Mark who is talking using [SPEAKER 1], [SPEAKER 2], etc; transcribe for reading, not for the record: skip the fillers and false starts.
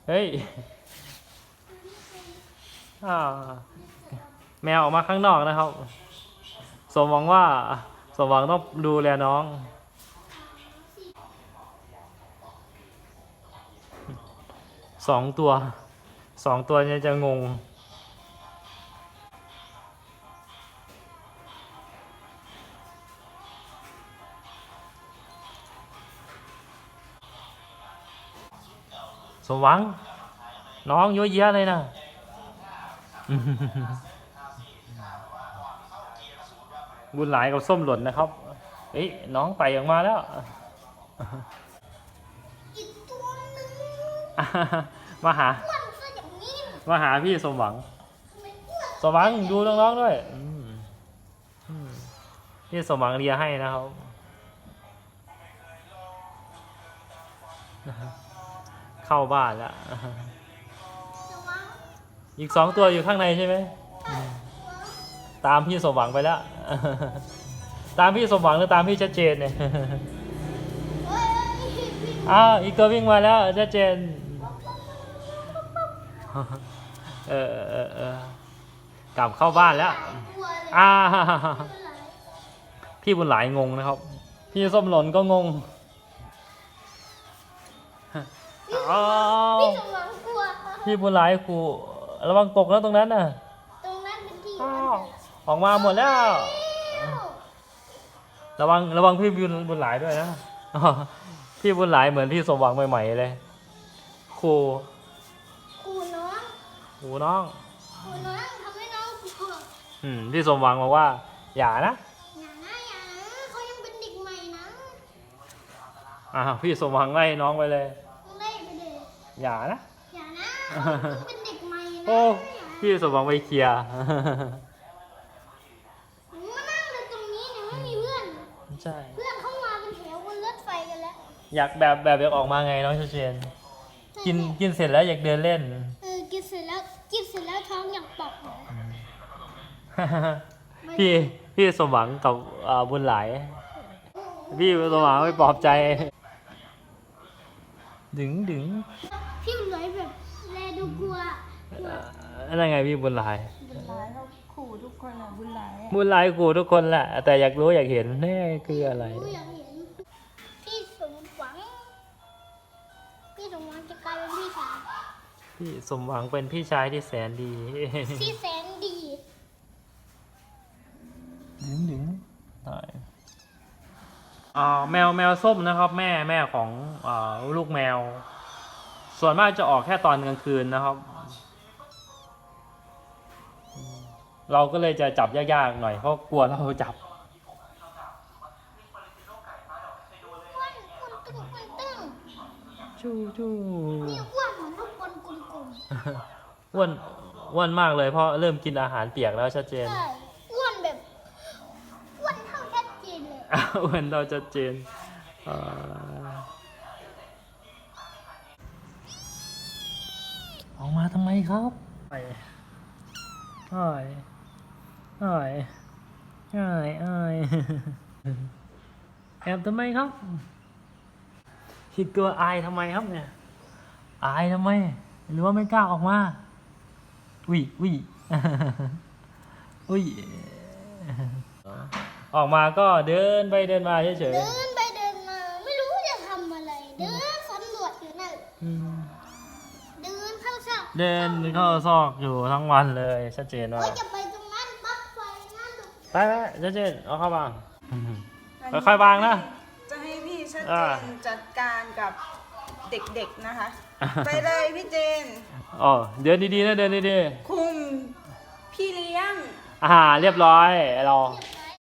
[SPEAKER 1] เฮ้ยแมวออกมาข้างนอกนะครับสมหวังว่าสมหวังต้องดูแลน้องสองตัวเนี่ยจะงงสมหวังน้องเยอะแยะเลยนะบุญหลายกับส้มหล่นนะครับเอ้ยน้องไต่ออกมาแล้ว
[SPEAKER 2] อีกตัวนึง
[SPEAKER 1] มาหาพี่สมหวังสมหวังดูน้องๆด้วยพี่สมหวังเลียให้นะครับเข้าบ้านแล้วอีก2 ตัวอยู่ข้างในใช่ไหมตามพี่สมหวังไปแล้วตามพี่สมหวังหรือตามพี่ชัดเจนเนี่ยอีกตัววิ่งมาแล้วชัดเจนกลับเข้าบ้านแล้วพี่บุญหลายงงนะครับพี่ส้มหล่นก็งงพี่บุญหลายครูระวังตกแล้วตรงนั้นน่ะ
[SPEAKER 2] เป็นที่
[SPEAKER 1] ออกมาหมดแล้วระวังพี่บุญหลายด้วยนะพี่บุญหลายเหมือนพี่สมหวังใหม่ๆเลยครูน้อง
[SPEAKER 2] ทำให้น้องกลัว
[SPEAKER 1] พี่สมหวังบอกว่าอย่านะ
[SPEAKER 2] เขายังเป็นเด็กใหม่
[SPEAKER 1] นะพี่สมหวังไล่น้องไปเลยอย่านะ
[SPEAKER 2] เป็นเด็กใหม่นะ
[SPEAKER 1] โอ้พี่สมหวังไปเคลียร์
[SPEAKER 2] มานั่งเลยตรงนี้เนี่ยไม่มีเพื่อน
[SPEAKER 1] ใช่
[SPEAKER 2] เพื่อนเข้ามาเป็นแถวบนรถไฟกันแล้ว
[SPEAKER 1] อยากอยากออกมาไงน้องเชนกินเสร็จแล้วอยากเดินเล่น
[SPEAKER 2] กินเสร็จแล้วท้องอยากปอก
[SPEAKER 1] พี่สมหวังกับบุญหลายพี่สมหวังไปปลอบใจดึง
[SPEAKER 2] พี่บุญหลายแบบแลดูกลัว
[SPEAKER 1] อะไรไงพี่บุญหลาย
[SPEAKER 2] เขาขู่ทุกคนบุญหลาย
[SPEAKER 1] ขู่ทุกคนแหละแต่อยากรู้อยากเห็นแน่คืออะไร
[SPEAKER 2] พี่สมหวังจะกลายเป็นพี่ชาย
[SPEAKER 1] พี่สมหวังเป็นพี่ชายที่แสนดี
[SPEAKER 2] ที่แสนดี
[SPEAKER 1] ดึงแมวส้มนะครับแม่ของลูกแมวส่วนมากจะออกแค่ตอนกลางคืนนะครับเราก็เลยจะจับยากๆหน่อยเพราะกลัวเราจับจู
[SPEAKER 2] นี่อ้วนเหมือนลูกบอลกลม
[SPEAKER 1] ๆอ้วนมากเลยเพราะเริ่มกินอาหารเปียกแล้วชัดเจน
[SPEAKER 2] อ้วนเท่าชัดเจนเลย
[SPEAKER 1] อ้วนเราชัดเจนออกมาทำไมครับอ้ายแอบทำไมครับคิดกลัวอายทำไมครับเนี่ยอายทำไมหรือว่าไม่กล้าออกมาอุ้ยออกมาก็เดินไปเดินมาเฉย
[SPEAKER 2] เดินไปเดินมาไม่รู้จะทำอะไรเดินสำรวจอยู่นั่นเดินเข้า
[SPEAKER 1] ซอกอยู่ทั้งวันเลยชัดเจนว่า
[SPEAKER 2] จะไปตรงนั้นปักไฟนั่น
[SPEAKER 1] ไปชัดเจนเอาเข้าวางค่อยๆวางนะ
[SPEAKER 3] จะให้พี่ชัดเจนจัดการกับเด็กๆนะคะไปเลยพี่เจน
[SPEAKER 1] เดินดีๆนะเดินดี
[SPEAKER 3] ๆคุมพี่เลี้ยง
[SPEAKER 1] เรียบร้อยเรา